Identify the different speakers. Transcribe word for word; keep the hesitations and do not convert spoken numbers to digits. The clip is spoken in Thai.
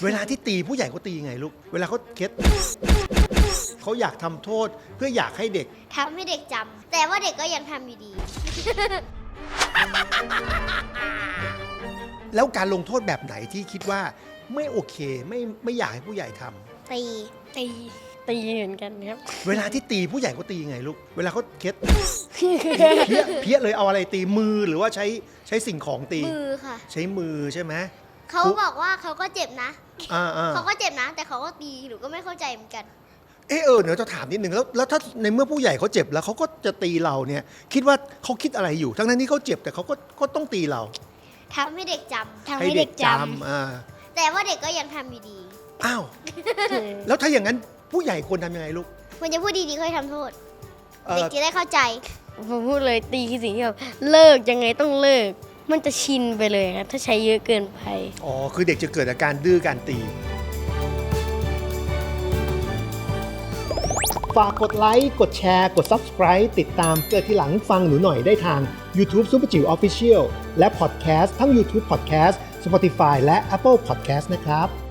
Speaker 1: เวลาที่ตีผู้ใหญ่เขาตียังไงลูกเวลาเขาเค็ดเขาอยากทำโทษเพื่ออยากให้เด็ก
Speaker 2: ทำให้เด็กจำแต่ว่าเด็กก็ยังทำอยู่ดี
Speaker 1: แล้วการลงโทษแบบไหนที่คิดว่าไม่โอเคไม่ไม่อยากให้ผู้ใหญ่ทำ
Speaker 2: ตี
Speaker 3: ตีตีเหมือนกันครับ
Speaker 1: เวลาที่ตีผู้ใหญ่เขาตียังไงลูกเวลาเขาเค็ดเพี้ยเพี้ยเลยเอาอะไรตีมือหรือว่าใช้ใช้สิ่งของตี
Speaker 2: มือค่ะ
Speaker 1: ใช้มือใช่ไหม
Speaker 2: เขาบอกว่าเขาก็เจ็บนะ
Speaker 1: อ่า
Speaker 2: เขาก็เจ็บนะแต่เขาก็ตีหนูก็ไม่เข้าใจเหมือนกัน
Speaker 1: เออเออเดี๋ยวจะถามนิดนึงแล้วแล้วถ้าในเมื่อผู้ใหญ่เขาเจ็บแล้วเขาก็จะตีเราเนี่ยคิดว่าเขาคิดอะไรอยู่ทั้งนั้นที่เขาเจ็บแต่เขาก็ก็ต้องตีเรา
Speaker 2: ทำให้เด็กจำ
Speaker 3: ทำให้เด็กจำ
Speaker 1: อ่า
Speaker 2: แต่ว่าเด็กก็ยังทำอยู่ดี
Speaker 1: อ้าวแล้วถ้าอย่างนั้นผู้ใหญ่ควรทำยังไงลูก
Speaker 2: ควรจะพูดดีๆค่อยทำโทษเด็กจะได้เข้าใจ
Speaker 3: ผมพูดเลยตีคือสิ่งที่แบบเลิกยังไงต้องเลิกมันจะชินไปเลยครับถ้าใช้เยอะเกินไป
Speaker 1: อ๋อคือเด็กจะเกิดอาการดื้อการตีฝากกดไลค์กดแชร์กด Subscribe ติดตามเกิดทีหลังฟังหนูหน่อยได้ทาง YouTube Super จิ๋ว Official และ Podcast ทั้ง YouTube Podcast Spotify และ Apple Podcast นะครับ